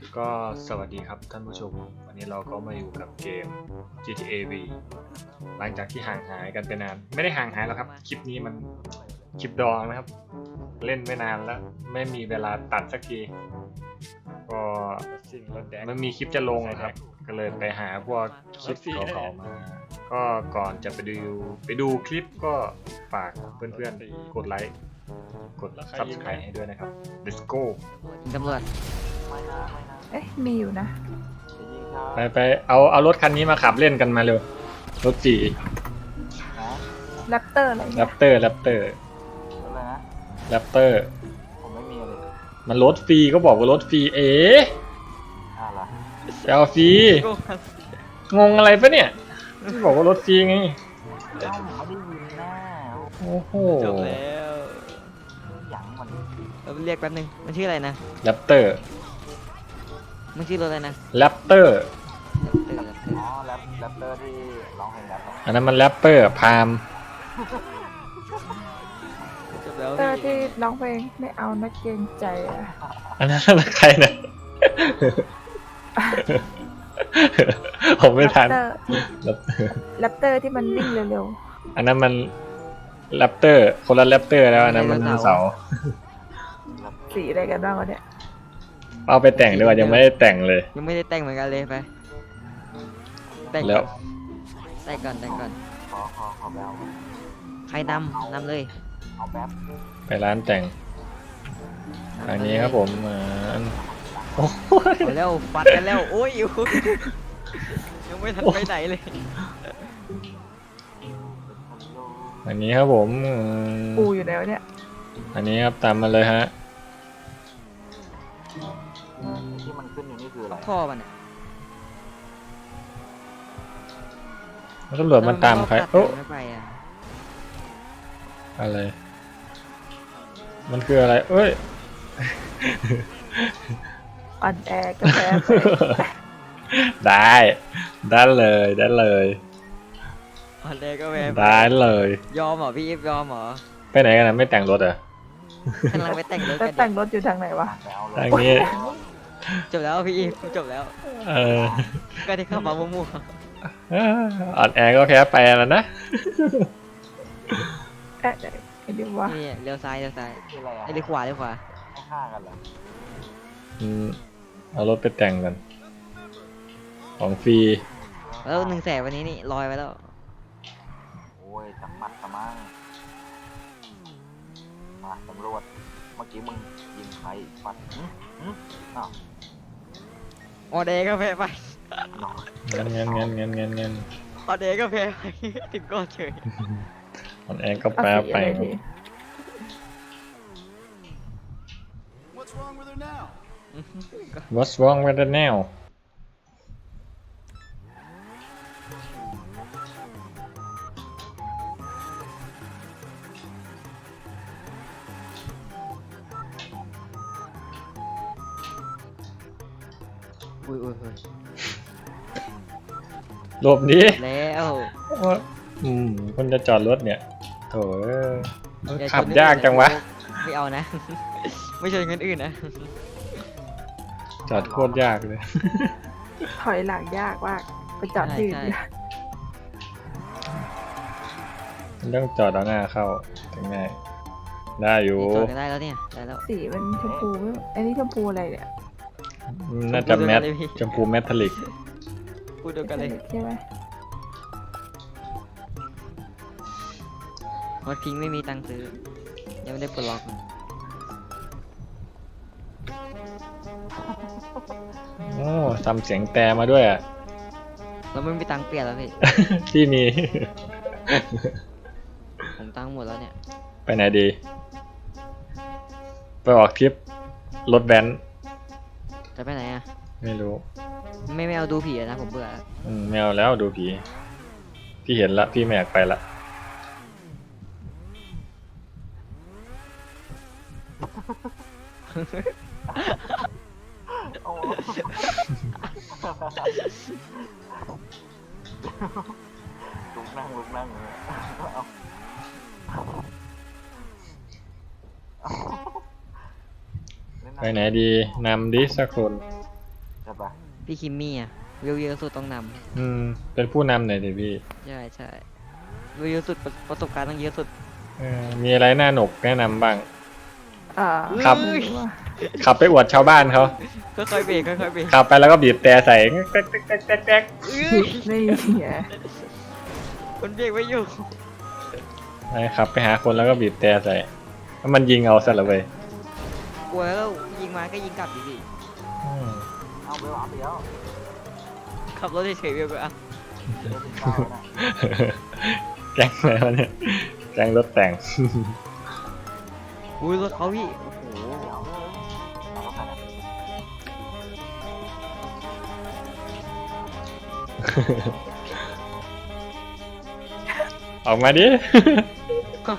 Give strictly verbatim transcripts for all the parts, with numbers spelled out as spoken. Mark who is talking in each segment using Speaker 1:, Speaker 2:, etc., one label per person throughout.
Speaker 1: ก็สวัสดีครับท่านผู้ชมวันนี้เราก็มาอยู่กับเกม จี ที เอ วี หลังจากที่ห่างหายกันไปนานไม่ได้ห่างหายแล้วครับคลิปนี้มันคลิปดองนะครับเล่นไม่นานแล้วไม่มีเวลาตัดสักทีก็มันมีคลิปจะลงนะครับก็เลยไปหาพวกคลิปเก่าๆมาก็ก่อนจะไปดูไปดูคลิปก็ฝากเพื่อนๆกดไลค์กด ซับสไครบ์ ให้ด้วยนะครับ let's go
Speaker 2: ตำรวจ
Speaker 3: เอ๊ะมีอยู่นะ
Speaker 1: ไปไปเอาเอารถคันนี้มาขับเล่นกันมาเร็วรถจี
Speaker 3: แรปเตอร์อะไร
Speaker 1: แร
Speaker 3: เนี่ย
Speaker 1: ปเตอร์แรปเตอร์
Speaker 4: อะไรนะ
Speaker 1: แรปเตอร์
Speaker 4: ผมไม่มีเลย
Speaker 1: มันรถฟรีก็บอกว่ารถฟรีเอ๋
Speaker 4: อ่าล่ะ
Speaker 1: จะเอาฟรีงงอะไรปะเนี่ยที่บอกว่ารถฟรีไง
Speaker 4: เอ้าไม่ได้ยินหน้า
Speaker 1: โอ้โห
Speaker 2: จบแล้ว
Speaker 4: หยังมัน
Speaker 2: เราเรียกแป๊บนึงมันชื่ออะไรนะ
Speaker 1: แรปเตอร์
Speaker 2: มันชื่อรถอะไรนะ
Speaker 1: แรปเตอร์
Speaker 2: เติร์ดเติร์ด
Speaker 4: อ๋อแรปแรปเตอร์ที่ร้องเพลงแรปอะ
Speaker 1: อันนั้นมันแรปเปอร์พาม
Speaker 2: จบแล้ว
Speaker 3: แรปเตอร์ที่ร้องเพลงไม่เอานักเกรงใจอะ
Speaker 1: อันนั้นอะไรใครนะผมไม่ทัน
Speaker 3: แรปเตอร์
Speaker 1: แรปเตอร์
Speaker 3: แรปเตอร์ที่มันวิ่งเร็ว
Speaker 1: อันนั้นมันแรปเตอร์คนละแรปเตอร์แล้วอันนั้นมันเสาร์
Speaker 3: ๆสีอะไรกันบ้างวะเนี่ย
Speaker 1: เอาไปแต่งดีกว่ายังไม่ได้แต่งเลย
Speaker 2: ยังไม่ได้แต่งเหมือนกันเลยไปแต่ง
Speaker 1: แล้ว
Speaker 2: แต่งก่อนแต่งก่อน
Speaker 4: ขอขอขอแบล
Speaker 2: ใครนำนำเลย
Speaker 4: เอาแป๊บ
Speaker 1: ไปร้านแต่งทางนี้ครับผมอ่าโอ้ย
Speaker 2: เอาแล้วฟัดกันแล้วโอ้ยโอ้ยยังไม่ทันไปไหนเลย
Speaker 1: อันนี้ครับผมอืม
Speaker 3: ปูอยู่แล้วเนี่ย
Speaker 1: อันนี้ครับตามมาเลยฮะ
Speaker 4: ที่มันขึ้นอยู่นี่คืออะไร
Speaker 2: ท่อมันเนี่ย
Speaker 1: แล้วตำรวจมันตามใคร
Speaker 2: โอ้
Speaker 1: โอ้
Speaker 2: ไม่ไปอ่ะ
Speaker 1: อะไร มันคืออะไร เอ้ย
Speaker 3: อ่อนแอกาแฟไป
Speaker 1: ได้ ได้เลย ได้เลย
Speaker 2: อันแรกก็แวะ
Speaker 1: ได้เลย
Speaker 2: ยอมเหรอพี่อีฟยอมเหรอ
Speaker 1: ไปไหนกันนะไม่แต่งรถเหรอ่ะ
Speaker 2: กำลังไปแต่งรถ
Speaker 3: แล้ว
Speaker 2: กัน
Speaker 3: แต่งรถอยู่ทางไหนวะ
Speaker 4: ไปเอาเล
Speaker 1: ทาย งนี้
Speaker 2: จบแล้วพี่อีฟจบแล้ว
Speaker 1: เออ
Speaker 2: ก็ได้เข้ามามั่ว
Speaker 1: เอ่ออ่อนแอก็แค่ไปแล้วนะ
Speaker 3: เอ๊ะไอ้ดิวะ
Speaker 2: ๆนี่เลี้ยวซ้ายเลี้ยวซ้าย
Speaker 4: คืออะไรอะ
Speaker 2: ไอ้เลี้ยวขวาเลี้ยวขวา
Speaker 4: ให้ฆ่ากันเหรอ
Speaker 1: อืมเอารถไปแต่งกัน ของฟรี
Speaker 2: แล้วหนึ่งแสนวันนี้นี่ลอยไปแล้ว
Speaker 4: โอ้ยจับมัดกระมังมาตำรวจเมื่อกี้มึงยิงใครปัดหึหึอ้าว
Speaker 2: ออเดย์ก็แพ้ไป
Speaker 4: น้อย
Speaker 1: เงินเงินเงินเงินเงินเงิน
Speaker 2: ออเดย์ก็แพ้ไป ถึงก็เฉย
Speaker 1: อ่อนแอก็
Speaker 3: เอา
Speaker 1: แป๊บ
Speaker 3: สี
Speaker 1: ไป
Speaker 3: อะไร
Speaker 1: ครับ
Speaker 3: ดี
Speaker 5: What's wrong with her now?
Speaker 1: What's wrong with the nail
Speaker 2: อุ้ยอุ้ยอุ้ย
Speaker 1: หลบหนี้
Speaker 2: แล้ว
Speaker 1: อืมคนจะจอดรถเนี่ยโถเอ้ย
Speaker 2: อย่
Speaker 1: ขับ
Speaker 2: ชน
Speaker 1: ยากจังวะ
Speaker 2: ไม่เอานะ ไม่ชนคนอื่นนะ
Speaker 1: จอดโคตรยากเลย
Speaker 3: ถอยหลังยากมากไปจอดที่อื่นดีกว่า
Speaker 1: มันต้องจอดเอาหน้าเข้าถึงง่ายได้อยู่
Speaker 2: จอดกันได้แล้วเนี่ยได้แล้ว
Speaker 3: สีมันชมพูไม่อันนี้ชมพูอะไรเนี่ย
Speaker 1: อืมน่าจะแมท
Speaker 2: ชมพูเดียวกันเลยพี่
Speaker 1: ชมพูแมทลิก
Speaker 2: พูดเดียวกันเลย
Speaker 3: ใช่ไหม
Speaker 2: รถพิงค์ไม่มีตังค์ซื้อ ยังไม่ได้ปลดล็อก
Speaker 1: โอ้ทำเสียงแต่มาด้วยอ่ะ
Speaker 2: เราไม่มีตังค์เปลี่ยนแล้วพี่
Speaker 1: ที่มี
Speaker 2: ผมตังค์หมดแล้วเนี่ย
Speaker 1: ไปไหนดี ไปออกทริปรถแบนซ์
Speaker 2: จะไปไหนอ่ะ
Speaker 1: ไม่รู้
Speaker 2: ไม่ไม่เอาดูผีอะนะผมเบื่อ
Speaker 1: อืมไม่เอาแล้วดูผีพี่เห็นละพี่ไม่อยากไปละ
Speaker 4: โอ้ลุกนั่งลุกนั่งเลยเอาเอาเล่น
Speaker 1: ไปไหนดีนำดิสักคน
Speaker 4: ช่ปะ
Speaker 2: พี่คิมมี่อ่ะวิวเยอะสุดต้องน
Speaker 1: อืม เป็นผู้นำหน่อยดิพี่
Speaker 2: ำใช่ใช่วิวเยอะสุดประประสบการณ์ต้องเยอะสุด
Speaker 1: เออมีอะไรน่าหนกแนะนำบ้าง
Speaker 3: อ่า
Speaker 1: ครับ
Speaker 3: ไม่ว่า
Speaker 1: ขับไปอวดชาวบ้านเขา
Speaker 2: ค่อยๆเบรกค่อยๆเบรก
Speaker 1: ขับไปแล้วก็บีบแต่ใส่แก๊กแก๊กแก๊กแก๊กแก๊ก
Speaker 3: นี่ไง
Speaker 2: คนเบรกไม่อยู่
Speaker 1: ไปขับไปหาคนแล้วก็บีบแต่ใส่แล้วมันยิงเอาซะละเว้ย
Speaker 2: กลัวแล้วยิงมาก็ยิงกลับดิพี่
Speaker 1: อืม
Speaker 4: เอาไปวางเดียว
Speaker 2: ขับรถเฉยๆเบรกไปอ่ะ
Speaker 4: เดี๋ยวถึงเก้าแล้วนะ
Speaker 1: แก๊งอะไรวะเนี่ยแก๊งรถแต่ง
Speaker 2: อุ้ยรถเขาพี่โอ้โห
Speaker 4: เอาเลยเอาเข้าไปนะ
Speaker 1: ออกมาดิ
Speaker 4: เอา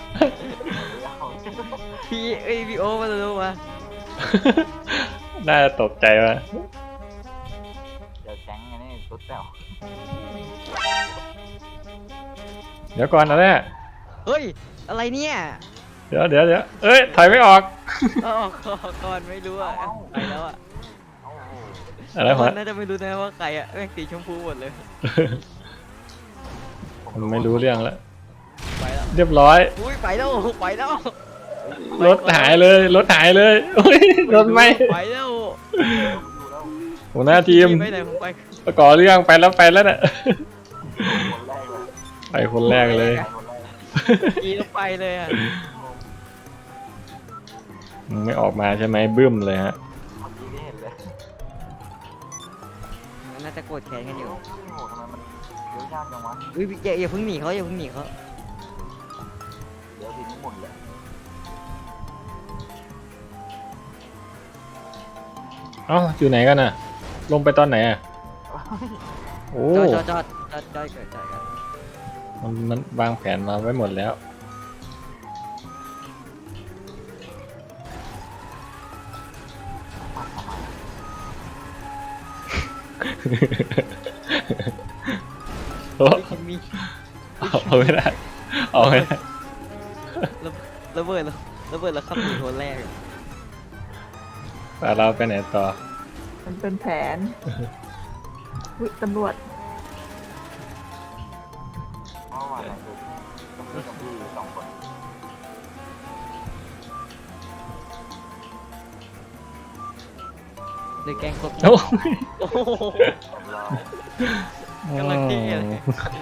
Speaker 2: พี่เอ้ยพี่โอมาดูมา
Speaker 1: น่าจะตกใจว่ะ
Speaker 4: เดี๋ยวแจ้งไงนี่ตุ๊ดแต้ว
Speaker 1: เดี๋ยวก่อนนะเนี่ย
Speaker 2: เฮ้ยอะไรเนี่ย
Speaker 1: เดี๋ยวเดี๋ยวเดี๋ยวเอ้ยถอยไม่ออก
Speaker 2: เอาออกก่อนไม่รู้อ่ะไปแล้วอ่ะ
Speaker 4: เอาโอ้โห
Speaker 1: อะไรวะ
Speaker 2: น่าจะไม่รู้นะว่าใครอ่ะแม่งสีชมพูหมดเลย
Speaker 1: มันไม่รู้เรื่องแล้ว
Speaker 2: ไปแล้ว
Speaker 1: เรียบร้อย
Speaker 2: อุ้ยไปแล้วไปแล้ว
Speaker 1: รถหายเลยรถหายเลยโอ้ยรถไหม่
Speaker 2: ไปแล้ว
Speaker 4: อยู่แล้ว
Speaker 1: หัวหน้าทีม
Speaker 2: ไปไหนผมไป
Speaker 1: ประกอบเรื่องไปแล้วไปแล้วน่ะ
Speaker 4: คนแรกเลย
Speaker 1: ไปคนแรกเลย
Speaker 4: คนแรก
Speaker 2: กีต้องไปเลยอ่ะ
Speaker 1: มึงไม่ออกมาใช่ไหมบึ้มเลยฮะ
Speaker 4: เมื่อกี้นี่เห็นเลย
Speaker 2: น่าจะโกรธแค้นกันอยู่
Speaker 4: โอ้โหทำไมมันเลี้ยวยากจังวะ
Speaker 2: อุ้ยอย่าอย่าเพิ่งหนีเขาอย่าเพิ่งหนีเขา
Speaker 4: เดี๋ยวทีนี้หมุนเลย
Speaker 1: เอ้าอยู่ไหนกันน่ะ ลงไปตอนไหนอ่ะโอ้
Speaker 2: จอดจอดจอดจอดจอดเกิดจอดกัน
Speaker 1: มันมันวางแผนมาไว้หมดแล้ว โอ้
Speaker 2: พี่คิมมี่
Speaker 1: เอาไม่ได้เอาไม่ได้
Speaker 2: ระเบิดแล้วระเบิดแล้วขับหนีคนแรกอะ
Speaker 1: แต่เราไปไหนต่อ
Speaker 3: มันเป็นแผนวิตำรวจ
Speaker 4: เพราะว่าอะไรคือต้องมีกับพี่สองคน
Speaker 2: หรือแกล้งครบ
Speaker 1: โอ้
Speaker 2: โอ้โห
Speaker 4: เดี๋ยวเรา
Speaker 2: กำลังเท่เลย
Speaker 4: แพ้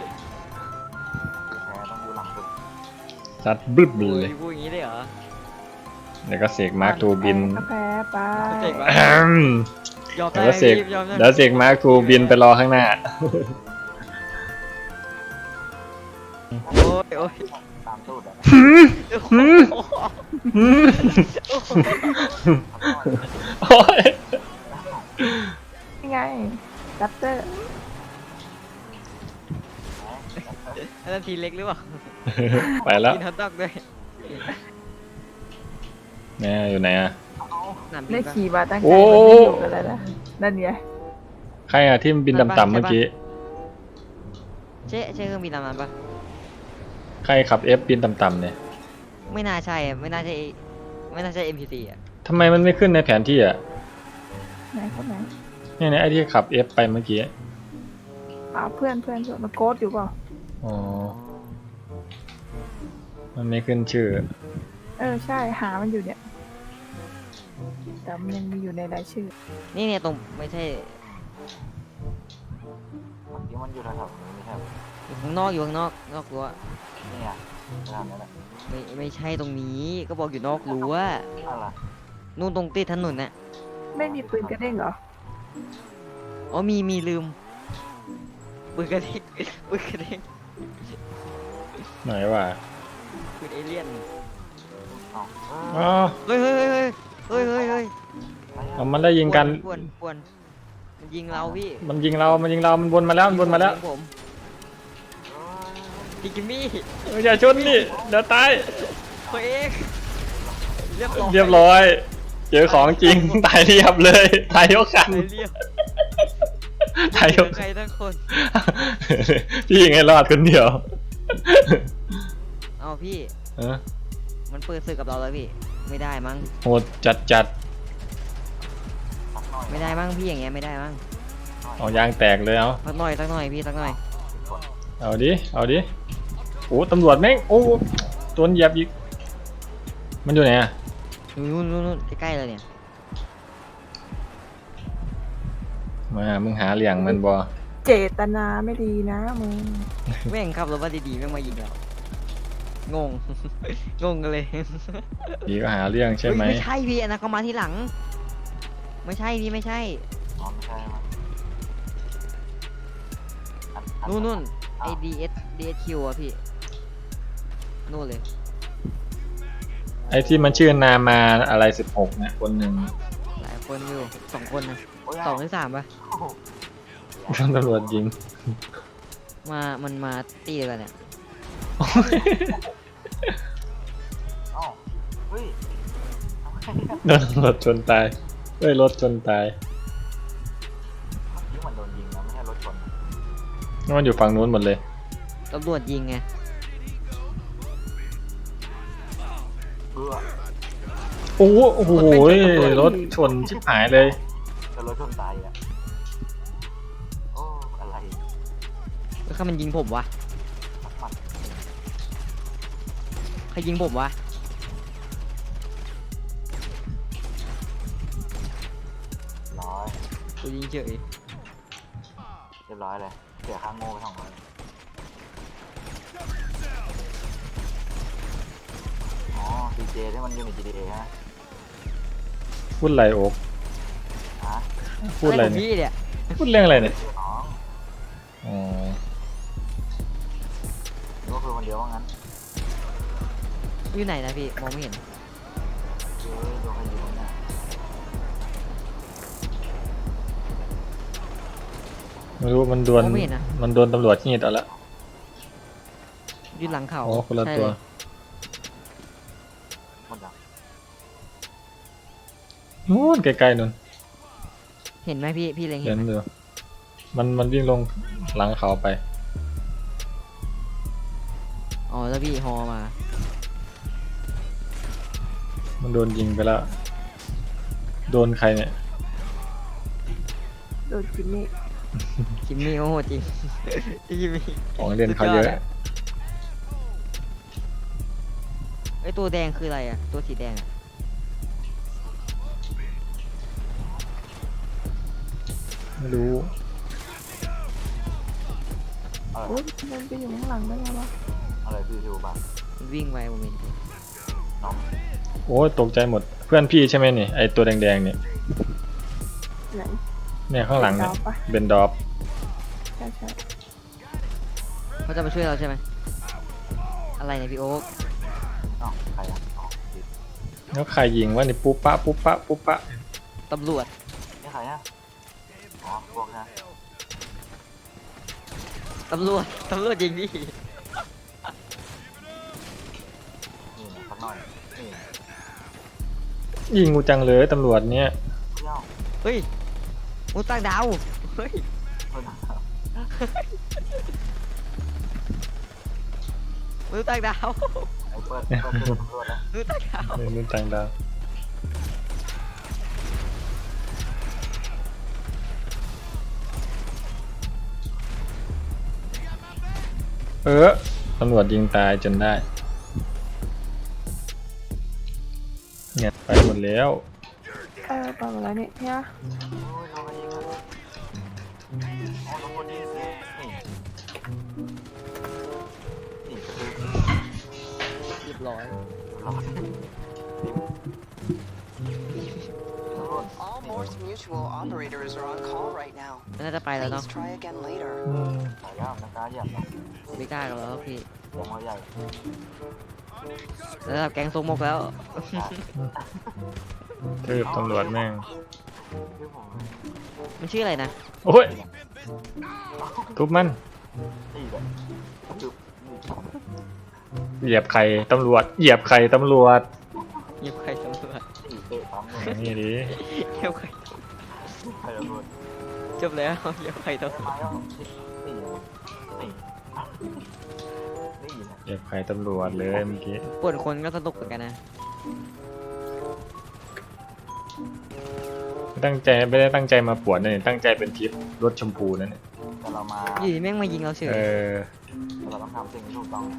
Speaker 4: ต้องอยู่หลังสุด
Speaker 1: ซัดบึ้บ
Speaker 2: โอ้
Speaker 1: เลย ย
Speaker 2: พูดอย่างนี้ได้เหรอ
Speaker 1: เดี๋ยวก็เสกมาร์คทูบิน
Speaker 3: ก็แพ้ไป
Speaker 2: เจ๋งวะ
Speaker 1: แอม
Speaker 2: ยอม
Speaker 1: เดี๋
Speaker 2: ได้
Speaker 1: ยวเสก
Speaker 2: พี่ยอมได้
Speaker 1: เดี๋ยวเสกมาร์คทูบินไปรอข้างหน้า
Speaker 2: โอ้ยโอ้ย
Speaker 4: ตามตูดอะ
Speaker 1: หืม
Speaker 2: โอ้โห
Speaker 1: หืม หืมโอ้ย
Speaker 3: นี่ไงดับเตอร์
Speaker 2: อันนั้นทีเล็กหรือเปล่า
Speaker 1: ไปแล้ว
Speaker 2: กินฮอทดอกด้วย
Speaker 1: แม่อยู่ไหนอ่ะ
Speaker 2: สนามบิ
Speaker 3: ได้
Speaker 2: นปะ
Speaker 3: ขี่มาตั้งใจ
Speaker 1: โอ้
Speaker 3: มันไม่อยู่กันแล้วนะนั่นไง
Speaker 1: ใครอ่ะที่มันบินต่ำๆเมื่อกี้
Speaker 2: เจ๊เจ๊เครื่องบินลำนั้นปะ
Speaker 1: ใครขับเอฟบินต่ำๆเนี่ย
Speaker 2: ไม่น่าใช่อะไม่น่าใช่ไม่น่าใช่ เอ็ม พี ซี อ่ะ
Speaker 1: ทำไมมันไม่ขึ้นในแผนที่อ่ะ
Speaker 3: ไหนคนไหน
Speaker 1: เนี่ยเนี่ยไอ้ที่ขับเอฟไปเมื่อกี้
Speaker 3: อ่าเพื่อนเพื่อนเพื่อนมันโกดอยู่เปล่า
Speaker 1: อ๋อ มันไม่ขึ้นชื่อ
Speaker 3: เออใช่หามันอยู่เนี่ยแต่มันยังมีอยู่ในรายชื่อ
Speaker 2: นี่เนี่ยตรงไม่ใช่
Speaker 4: เมื่อกี้มันอยู่แถวๆนี้ไม่ใช่เหรอ
Speaker 2: อยู่ข้างนอกอยู่ข้างนอกนอกรั้ว
Speaker 4: นี่อ่ะแถวนี้แหละ
Speaker 2: ไม่ไม่ใช่ตรงนี้ก็บอกอยู่นอกรั้ว
Speaker 4: อะไร
Speaker 2: นู่นตรงติดถนนน่ะ
Speaker 3: ไม่มีปืนกระเด้งเหรอ
Speaker 2: อ๋อมีมีลืมปืนกระเด้ง ปืนกระเด้ง
Speaker 1: ไหนวะ
Speaker 2: ปืนเอเลี่ยน
Speaker 4: อ๋อเอ
Speaker 1: อ๋อ
Speaker 4: อ
Speaker 2: เฮ้ยเฮ้ยเฮ้ยเฮ้ยเฮ้ยเฮ้ย
Speaker 4: อะไร
Speaker 1: เอา
Speaker 4: อะ
Speaker 1: มันได้ยิงกัน
Speaker 2: ปวนปวนมันยิงเราพี่
Speaker 1: มันยิงเรา มันยิงเรา มันวนมาแล้ว มันวนมาแล้ว
Speaker 2: ยิงผมพี่กิมมี่
Speaker 1: เอออย่าชนดิเดี๋ยวตาย
Speaker 2: ตัวเองเรียบร้อย
Speaker 1: เรียบร้อย เจอของจริง ตายเรียบเลย ตายยกคัน
Speaker 2: ตายเรียบ
Speaker 1: ตายยก
Speaker 2: ใครทั้งคน
Speaker 1: พี่ยังไงรอดคนเดียว
Speaker 2: เอาพี่
Speaker 1: เออ
Speaker 2: มันเปิดศึกกับเราแล้วพี่ ไม่ได้มั้ง
Speaker 1: โหดจัดจัด
Speaker 4: สักหน่อยน่อย
Speaker 2: ไม่ได้มั้งพี่อย่างเงี้ยไม่ได้มั้ง
Speaker 1: เอายางแตกเลยเอา
Speaker 2: สักหน่อยสักหน่อยพี่สักหน่อย
Speaker 4: สิบคน
Speaker 1: เอาดิเอาดิโอ้ตำรวจแม่งโอ้ตัวเหยียบอีกมันอยู่ไหนอะ
Speaker 2: นู่นนู่นนู่นใกล้ๆเลยเนี่ย
Speaker 1: มามึงหาเหลี่ยงมันบ่
Speaker 3: เจตนาไม่ดีนะมึง
Speaker 2: แม่งขับรถมาดีๆแม่งมายิงเรางง งงกันเลย
Speaker 1: ดีก็หาเรื่องใช่ไหม
Speaker 2: เฮ้ยไม่ใช่พี่อันนั้นเขามาที่หลัง ไม่ใช่พี่ไม่ใช่
Speaker 4: อ๋อไม่ใช่ไหมอัอั
Speaker 2: นู่นนู่นไอ
Speaker 4: อ้าว
Speaker 2: ดีเอสดีเอสคิวอะพี่นู่นเลย
Speaker 1: ไอ้ที่มันชื่อนามาอะไรสิบหกเนี่ยคนหนึ่ง
Speaker 2: หลายคนอยู่สองคนนะ
Speaker 4: โอ้ย
Speaker 2: สองหรือสามปะ
Speaker 4: โอ้โห
Speaker 1: ตำรวจยิง
Speaker 2: มามันมาตีเลยกันเนี่ย
Speaker 4: เอ้าเฮ้ยทำไมเนี่ย
Speaker 1: โดนตำรวจชนตายเอ้ยรถชนตาย
Speaker 4: นี่มันโดนยิงนะไม่ใช่รถชนนะ
Speaker 1: นี่มันอยู่ฝั่งนู้นหมดเลย
Speaker 2: ตำรวจยิงไง
Speaker 4: เบื่อ
Speaker 1: โอ้โหโอ้โหรถชนชิบหายเลย
Speaker 4: จะรถชนตายอ่ะโอ้อะไร
Speaker 2: แล้วใครมันยิงผมวะ
Speaker 4: สักหมัด
Speaker 2: ใครยิงผมวะ
Speaker 4: ร้อย
Speaker 2: กูยิงเฉย
Speaker 4: เรียบร้อยเลยเสียค่าโง่ไปสองร้อยอ๋อดีเจที่มันอยู่ใน จี ที เอ ฮะ
Speaker 1: พูดอะไรโอ๊ก
Speaker 4: ฮะ
Speaker 1: พูดอะไร
Speaker 2: ขง
Speaker 1: เนี่ย
Speaker 2: พี่เนี่ย
Speaker 1: พูดเรื่องอะไรเนี่ย
Speaker 4: น้อง
Speaker 1: อ๋อ
Speaker 4: หรือว่าคือคนเดียวว่างั้น
Speaker 2: อยู่ไหนนะพี่มองไม่เห็น
Speaker 4: เฮ้ยโดนใครยิงเนี่ย
Speaker 1: ไม่รู้มันโดน
Speaker 2: มองไม่เห็นนะ
Speaker 1: มันโดนตำรวจที่นี่เอาละ
Speaker 2: อยู่หลังเขา
Speaker 1: อ๋อคนละ
Speaker 2: ใช่
Speaker 1: ตัว
Speaker 2: เลย
Speaker 4: หมดยัง
Speaker 1: นู้นไกลๆนู่น
Speaker 2: เห็นไหมพี่พี่เล็ง
Speaker 1: เห็
Speaker 2: เห็น
Speaker 1: น
Speaker 2: ไหม
Speaker 1: อยู่มันมันวิ่งลงหลังเขาไป
Speaker 2: อ๋อแล้วพี่ฮอมา
Speaker 1: มันโดนยิงไปแล้ว โดนใครเนี่ย
Speaker 3: โดนจิมมี่
Speaker 2: คิมมี่โอ้โหจริง คิมมี่
Speaker 1: ของเรียนเขาเยอะ
Speaker 2: สุดยอดอะ ไอยตัวแดงคืออะไรอะตัวสีแดงอะ
Speaker 1: ไม่รู้
Speaker 4: อะไร
Speaker 3: โอ้ยมันไปอยู่ข้างหลังได้ไงวะ
Speaker 4: อะไรพี่ทิวบัง
Speaker 2: มันวิ่งไปผมเห็น
Speaker 4: น้อง
Speaker 1: โอ้ยตกใจหมดเพื่อนพี่ใช่ไหมนี่ไอตัวแดงๆเนี่ย
Speaker 3: ไหน
Speaker 1: เนี่ยข้างหลังเนี่ย
Speaker 3: ดาวปะ
Speaker 1: เบนดอฟ
Speaker 3: ใช่ใช่
Speaker 2: เขาจะมาช่วยเราใช่ไหมอะไรเนี่ยพี่โอ๊ค
Speaker 4: อ้าวใครอ่ะอ๋อดิ
Speaker 1: แล้วใครยิงว่านี่ปุ๊บปะปุ๊บปะปุ๊บปะ
Speaker 2: ตำรวจ
Speaker 4: นี่ใครอ่ะอ๋อพวกนะ
Speaker 2: ตำรวจตำรวจยิงดิ
Speaker 4: นี่นะสักหน่อยนี่
Speaker 1: ยิงกูจังเลยตำรวจเนี่ย
Speaker 4: เที่ยว
Speaker 2: เฮ้ยมุต่างดาวเฮ้ย
Speaker 4: เพื่อน
Speaker 2: มนุษย์ต่างดาว
Speaker 4: ไอ้เปิดเปิดเปิดตำรวจนะ
Speaker 2: มนุษย์ต่างดาว
Speaker 1: ในนู้นต่างดาวเออตำรวจยิงตายจนได้เนี่ยไปหมดแล้ว
Speaker 3: เออไปหมดแล้วเนี่ยเนี่ย
Speaker 4: โอ้ยเราไปยิงกันอ๋อตำรวจยิงนี่นี่กระทืบ
Speaker 2: เรียบร้อย
Speaker 4: เราตำรวจ
Speaker 6: All Morse Mutual operators are on call right now.
Speaker 2: น่าจะไปแล้วเนาะ
Speaker 6: Please try again later.
Speaker 4: สายย่ามนะกล้าเหยียบนะ
Speaker 2: ไม่กล้ากันแล้วพี่
Speaker 4: เสียงเขาใหญ่
Speaker 2: ระดับแก๊งทรงมกแล้ว
Speaker 1: ทืบตำรวจแม่ง
Speaker 4: ชื่อผม
Speaker 2: มันชื่ออะไรนะ
Speaker 1: โอ้ยทุบมัน
Speaker 4: นี่แหละจุ๊บ
Speaker 1: เหยียบไข่ตำรวจเหยียบไข่ตำรวจ
Speaker 2: เงียบใครตำรวจ
Speaker 4: นี่เตะปั๊มเลย
Speaker 1: นี่ดิ
Speaker 2: เงียบใคร
Speaker 4: ใครตำรวจ
Speaker 2: จบแล้วเงียบใครตำรวจ
Speaker 4: มาแล้วนี่นี่นี่นะ
Speaker 1: เหยียบไข่ตำรวจเลยเมื่อกี้
Speaker 2: ปวดคนก็สนุกเหมือนกันนะ
Speaker 1: ไปตั้งใจไม่ได้ตั้งใจมาปวดนะเนี่ยตั้งใจเป็นทริปรถชมพูนั่นเนี่ย
Speaker 4: แต่เรามา
Speaker 2: อยู่ดีแม่งมายิงเราเฉย
Speaker 1: เออ
Speaker 4: แต่เราต้องทำสิ่งที่ถูกต้อง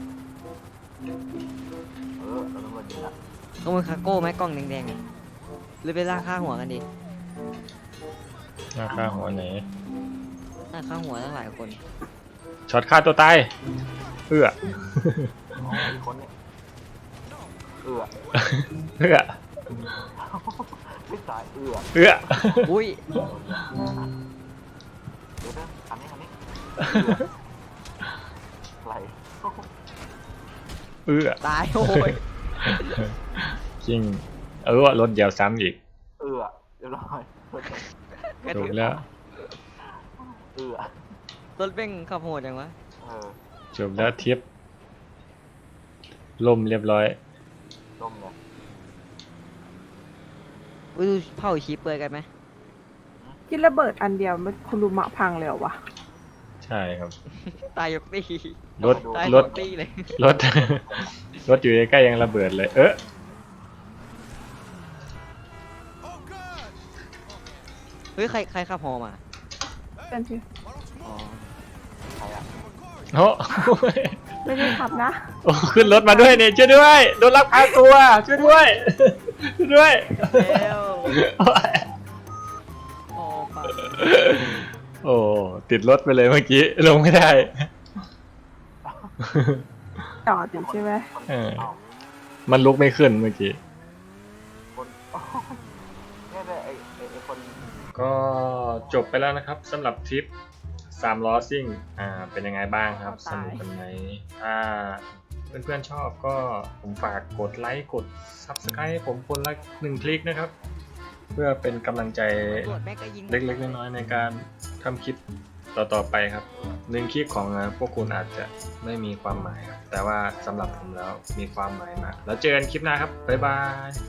Speaker 4: เออเราต้องมายิงละ
Speaker 2: ขโมยคาโก้ไหมกล่องแดงๆอะหรือไปล่าค่าหัวกันดิ
Speaker 1: ราคาหัวไหน
Speaker 2: ล่าค่าหัวตั้งหลายคน
Speaker 1: ช็อตฆ่าตัวตายเอื้อ
Speaker 4: อ๋ออีกคนเนี่ยเอือ
Speaker 1: เอื้อ
Speaker 4: ไม่ตายเอือ
Speaker 1: เอื้อ
Speaker 2: อุ้ย
Speaker 4: เดี๋ยวเด้อคันนี้คันนี้ไหล
Speaker 1: เอื้อ
Speaker 2: ตายโอ้ย
Speaker 1: จริงเออว่ารถเดียวซ้ำอีก
Speaker 4: เอือเรียบร้อย
Speaker 1: ถูกแล้ว
Speaker 4: เอือ
Speaker 2: รถเบ้งขับโหดจังวะ
Speaker 4: เออ
Speaker 1: จบแล้วทริปล่มเรียบร้อย
Speaker 4: ล่มเลย
Speaker 2: อุ้ยดูเผาชีเปลือยกันไหม
Speaker 3: ที่ระเบิดอันเดียวมันคุณรุมะพังเลยเหรอวะ
Speaker 1: ใช่ครับ
Speaker 2: ตายยกตี
Speaker 1: รถ
Speaker 2: ตาย
Speaker 1: ร
Speaker 2: ย
Speaker 1: ถ
Speaker 2: กตีเลย
Speaker 1: รถ รถอยู่ใกล้ๆยังระเบิดเลย เออ
Speaker 5: Oh, God!
Speaker 2: เฮ้ยใครใครขับฮอมา
Speaker 3: เป็นที่
Speaker 2: อ๋อ
Speaker 4: ใครอ่ะ
Speaker 1: โอ้
Speaker 3: ไม่ได้ขับนะ
Speaker 1: โอ้ขึ้นรถมาด้วยเนี่ยช่วยด้วยโดนลักพาตัวช่วยด้วยช่วยด้วย
Speaker 2: แล้ว
Speaker 1: โอ้ย
Speaker 2: พอปัง
Speaker 1: โอ้ติดรถไปเลยเมื่อกี้ลงไม่ได้
Speaker 3: จอดอยู่ใช่ไหม
Speaker 1: เออ
Speaker 4: เอ้า
Speaker 1: มันลุกไม่ขึ้นเมื่อกี้
Speaker 4: คนโอ้ยเนี่ยเนี่ยไอ้ไอ้ไอ้คน
Speaker 1: ก็จบไปแล้วนะครับสำหรับทริปสามล้อซิ่งอ่าเป็นยังไงบ้างครับสนุกกันไหมถ้าเพื่อนๆชอบก็ผมฝากกดไลค์กด ซับสไครบ์ ให้ผมคนละหนึ่งคลิกนะครับ เพื่อเป็นกำลังใจ
Speaker 2: ตำรวจแม่งก็ยิง
Speaker 1: เล็กๆน้อยๆในการทำคลิปต่อๆไปครับหนึ่งคลิปของพวกคุณอาจจะไม่มีความหมายครับแต่ว่าสำหรับผมแล้วมีความหมายมากแล้วเจอกันคลิปหน้าครับบ๊ายบาย